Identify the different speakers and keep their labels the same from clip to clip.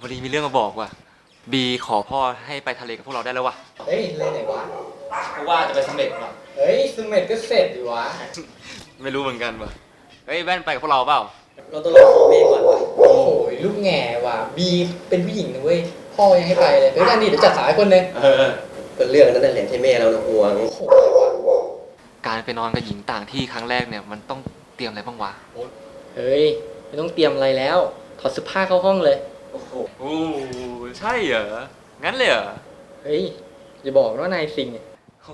Speaker 1: วันนี้มีเรื่องมาบอกว่ะบีขอพ่อให้ไปทะเลกับพวกเราได้แล้ววะ
Speaker 2: เฮ้ยเลยไหนวะ
Speaker 1: เพราะว่าจะไปเสม็ดว่ะ
Speaker 2: เฮ้ยเสม็ดก็เสร็จดิวะ
Speaker 1: ไม่รู้เหมือนกันว่ะเฮ้ยแว่นไปกับพวกเราเปล่า
Speaker 3: เราต้องรอขอแม่ก่อนวะ
Speaker 2: โอ้โหลูกแง่ว่ะบีเป็นผู้หญิงนะเว้ยพ่อยังให้ไปเลยเฮ้ยนั่นดิเดี๋ยวจัดสายคนนึง
Speaker 3: ก็เรื่องนั้นนั่นแหละที่แม่เราห่วง
Speaker 2: โอ้โห
Speaker 1: การไปนอนกับหญิงต่างที่ครั้งแรกเนี่ยมันต้องเตรียมอะไรบ้างวะ
Speaker 2: เฮ้ยไม่ต้องเตรียมอะไรแล้วถอดเสื้อผ้าเข้าห้องเลย
Speaker 1: โอ้โหใช่เหรองั้นเลยเหรอ
Speaker 2: เฮ้ยอย่าบอกว่านายซิงเนี่ย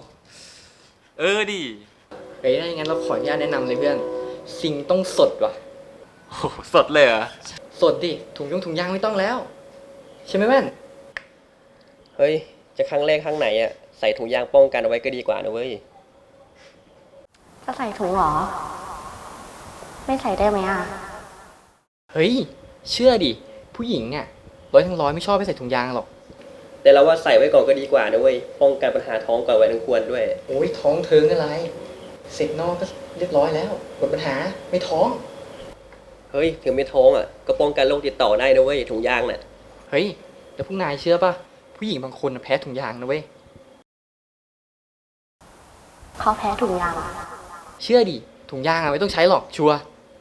Speaker 1: ดิ
Speaker 2: เฮ้ยถ้าอย่างนั้นเราขออนุญาตแนะนำเลยเพื่อนซิงต้องสดว่ะ
Speaker 1: โอ้สดเลยเหรอ
Speaker 2: สดดิถุงยางไม่ต้องแล้วใช่ไหมแม่น
Speaker 3: เฮ้ยจะครั้งแรกครั้งไหนอ่ะใส่ถุงยางป้องกันเอาไว้ก็ดีกว่านะเว้ย
Speaker 4: จะใส่ถุงเหรอไม่ใส่ได้ไหมอ่ะ
Speaker 2: เฮ้ยเชื่อดิผู้หญิงเนี่ย100 ทั้ง 100ไม่ชอบไปใส่ถุงยางหรอก
Speaker 3: แต่เราว่าใส่ไว้ก่อนก็ดีกว่านะเว้ยป้องกันปัญหาท้องก่อนไว้ทั้งควรด้วย
Speaker 2: โอ้ยท้องเทิงอะไรเสร็จนอกก็เรียบร้อยแล้วหมดปัญหาไม่ท้อง
Speaker 3: เฮ้ยถึงไม่ท้องอ่ะก็ป้องกันโรคติดต่อได้นะเว้ยถุงยางน่ะ
Speaker 2: เฮ้ยแต่พวกนายเชื่อป่ะผู้หญิงบางคนแพ้ถุงยางนะเว้ย
Speaker 4: เขาแพ้ถุงยาง
Speaker 2: เชื่อดิถุงยางอะไม่ต้องใช้หรอกชัวร์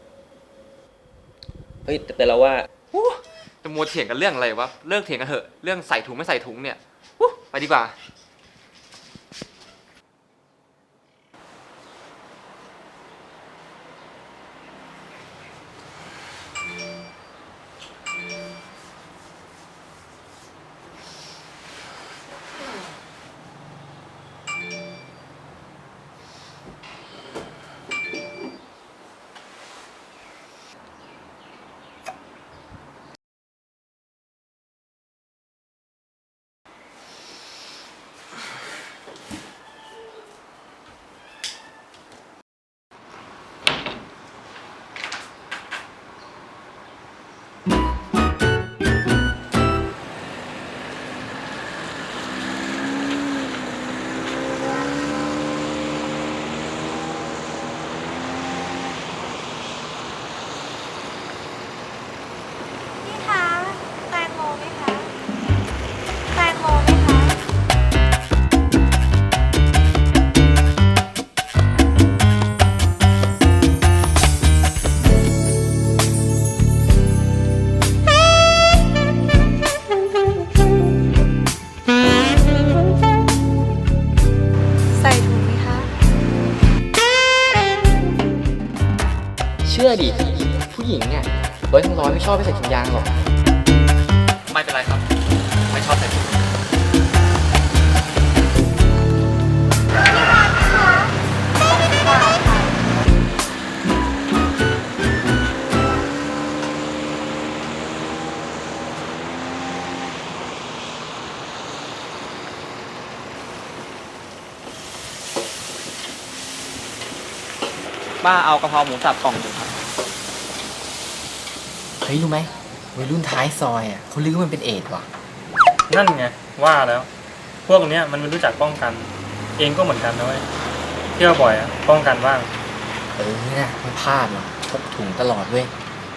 Speaker 3: เฮ้ยแต่เราว่า
Speaker 1: จะมัวเถียงกันเรื่องอะไรวะเลิกเถียงกันเถอะเรื่องใส่ถุงไม่ใส่ถุงเนี่ยไปดีกว่า
Speaker 2: เชื่อดิผู้หญิงเนี่ย100 ทั้ง 100ไม่ชอบไปใส่ถุงยางหรอก
Speaker 1: ไม่เป็นไรครับไม่ชอบใส่ถุงป้าเอากะเพราหมูสับกล่องหนึ่งครับ
Speaker 2: เฮ้ยรู้ไหมวัยรุ่นท้ายซอยอ่ะเขาลือว่ามันเป็นเอดส์ว่ะ
Speaker 5: นั่นไงว่าแล้วพวกเนี้ยมันไม่รู้จักป้องกันเองก็เหมือนกันนะเว้ยเที่ยวบ่อยอ่ะป้องกันบ้าง
Speaker 2: นะไม่พลาดหรอกพกถุงตลอดเว้ย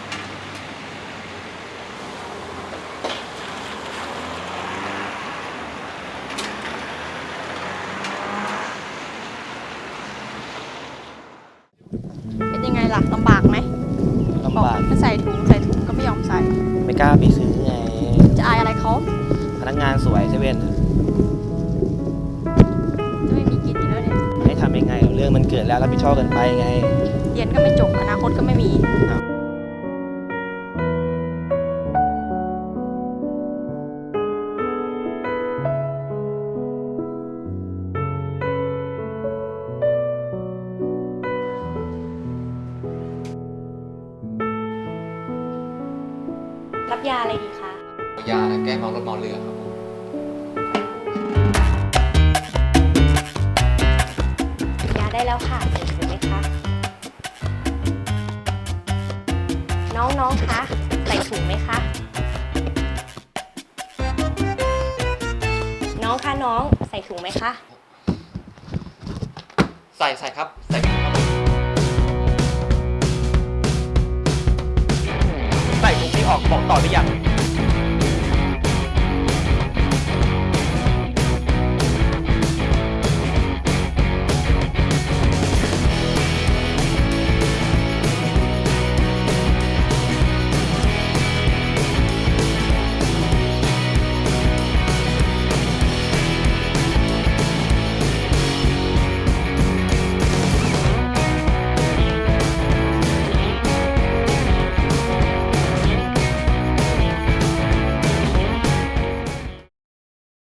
Speaker 4: เป็นยังไงล่ะลำบากไหม
Speaker 3: ลำบาก
Speaker 4: ถ้าใส่ถุงก็ไม่ยอมใส่
Speaker 3: ไม่กล้าไปซื้อไง
Speaker 4: จะอายอะไรเขา
Speaker 3: พนักงานสวยเซเว่น
Speaker 4: จะไม่มีกินอยู่แล้วเนี่ย
Speaker 3: ให้ทำยังไงเรื่องมันเกิดแล้วรับผิดชอบกันไปไง
Speaker 4: เรียนก็ไม่จบอนาคตก็ไม่มีรับยาอะไรดีคะ
Speaker 1: ยาแก้เมารถเมาเรือครับ
Speaker 4: ยาได้แล้วค่ะเห็นไหมคะน้องคะใส่ถุงไหมคะน้องคะน้องใส่ถุงไหมคะ
Speaker 1: ใส่ครับใส่ครับ
Speaker 3: ใส่ถุงที่ออกบอกต่อหรือยัง